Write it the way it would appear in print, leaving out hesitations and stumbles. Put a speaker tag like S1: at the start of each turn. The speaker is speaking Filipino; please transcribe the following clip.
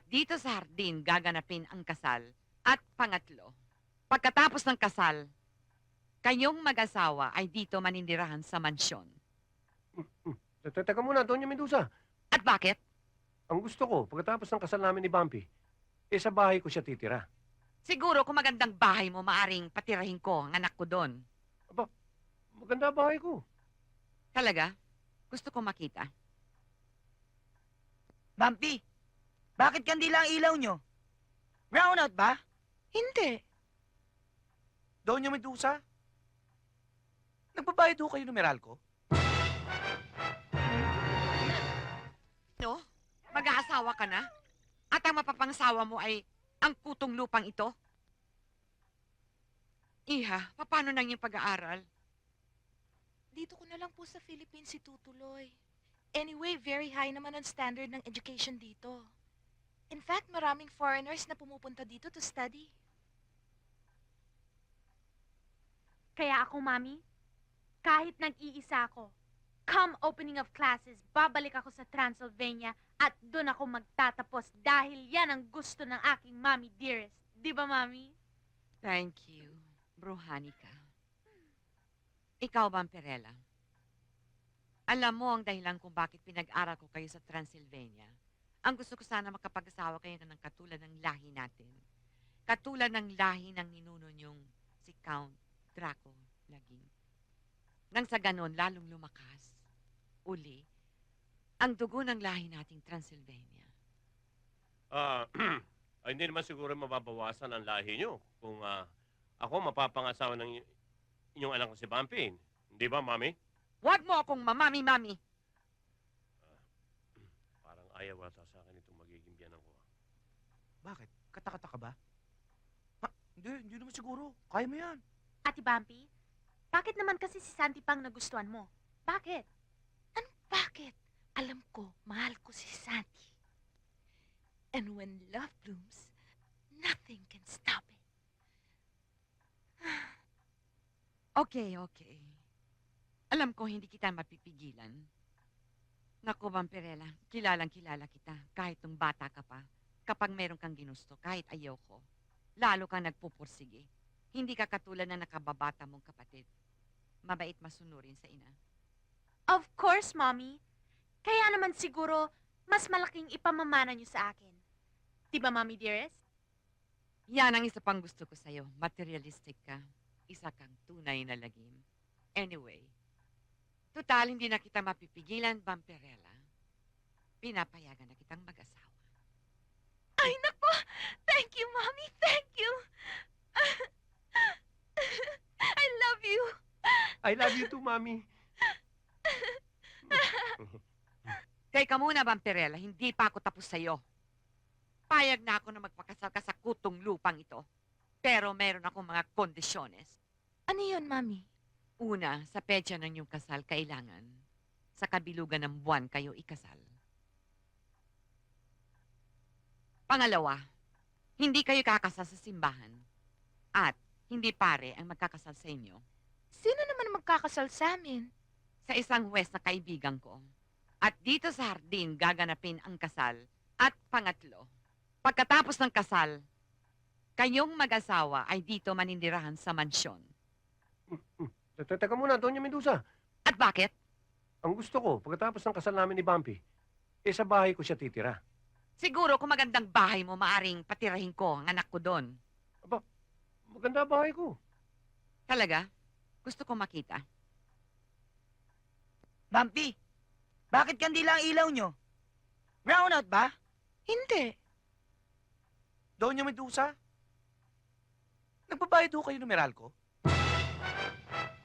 S1: dito sa hardin gaganapin ang kasal. At pangatlo, pagkatapos ng kasal, kayong mag-asawa ay dito manindirahan sa mansyon.
S2: Teka muna, Doña Medusa.
S1: At bakit?
S2: Ang gusto ko, pagkatapos ng kasal namin ni Bumpy, sa bahay ko siya titira.
S1: Siguro kung magandang bahay mo, maaring patirahin ko ang anak ko doon.
S2: Aba, maganda bahay ko.
S1: Talaga? Gusto ko makita.
S3: Bumpy, bakit kandila ang ilaw nyo? Brownout ba?
S4: Hindi.
S3: Doña Medusa? Nagbabayad ho kayo ng Meralco?
S1: No? Mag-aasawa ka na? At ang mapapangasawa mo ay ang kutong lupang ito? Iha, paano nang yung pag-aaral?
S4: Dito ko na lang po sa Philippines itutuloy. Anyway, very high naman ang standard ng education dito. In fact, maraming foreigners na pumupunta dito to study.
S5: Kaya ako, Mami, kahit nag-iisa ako, come opening of classes, babalik ako sa Transylvania at doon ako magtatapos dahil yan ang gusto ng aking Mami dearest. Di ba, Mami?
S1: Thank you, Bruhanica. Ikaw, Vampirella. Alam mo ang dahilan kung bakit pinag-aral ko kayo sa Transylvania. Ang gusto ko sana makapag-asawa kayo ng katulad ng lahi natin. Katulad ng lahi ng ninuno niyong si Count Draco Laging. Nang sa ganon, lalong lumakas, uli, ang dugo ng lahi nating Transylvania.
S6: Ay, hindi naman siguro mababawasan ang lahi nyo kung ako mapapangasawa ng inyong anak ko si Bumpy. Hindi ba, Mami?
S1: Huwag mo akong mamami-mami.
S6: Parang ayaw ata sa akin itong magiging biyanan ko.
S3: Bakit? Katakata ka ba? Hindi naman siguro. Kaya mo yan.
S5: Ate Bumpy, bakit naman kasi si Santi pang nagustuhan mo? Bakit?
S4: Ano bakit? Alam ko, mahal ko si Santi. And when love blooms, nothing can stop it.
S1: Okay, okay. Alam ko hindi kita mapipigilan. Naku, Vampirella, kilalang-kilala kita kahit nung bata ka pa. Kapag meron kang ginusto, kahit ayaw ko, lalo kang nagpupursige. Hindi ka katulad na nakababata mong kapatid. Mabait masunurin sa ina.
S5: Of course, Mommy. Kaya naman siguro, mas malaking ipamamana niyo sa akin. Di ba, Mommy dearest?
S1: Yan ang isa pang gusto ko sa'yo. Materialistic ka. Isa kang tunay na lagim. Anyway, total hindi na kita mapipigilan, Vampirella. Pinapayagan na kitang mag-asawa.
S4: Ay, nako! Thank you, Mommy! Thank you! I love you!
S2: I love you too, Mami.
S1: Teka muna, Vampirella. Hindi pa ako tapos sa'yo. Payag na ako na magpakasal ka sa kutong lupang ito. Pero meron akong mga kondisyones.
S4: Ano yun, Mommy?
S1: Una, sa petsa ng iyong kasal, kailangan sa kabilugan ng buwan kayo ikasal. Pangalawa, hindi kayo kakasal sa simbahan. At hindi pare ang magkakasal sa inyo.
S4: Sino naman magkakasal sa amin?
S1: Sa isang huwes na kaibigan ko. At dito sa hardin gaganapin ang kasal. At pangatlo, pagkatapos ng kasal, kayong mag-asawa ay dito manindirahan sa mansyon.
S2: Teka muna, Doña Medusa.
S1: At bakit?
S2: Ang gusto ko, pagkatapos ng kasal namin ni Bumpy, sa bahay ko siya titira.
S1: Siguro kung magandang bahay mo, maaring patirahin ko ang anak ko doon.
S2: Aba, maganda bahay ko.
S1: Talaga? Gusto ko makita.
S3: Bumpy, bakit kandila ang ilaw nyo? Brownout ba?
S4: Hindi.
S3: Doña Medusa? Nagbabayad ho kayo ng Meralco?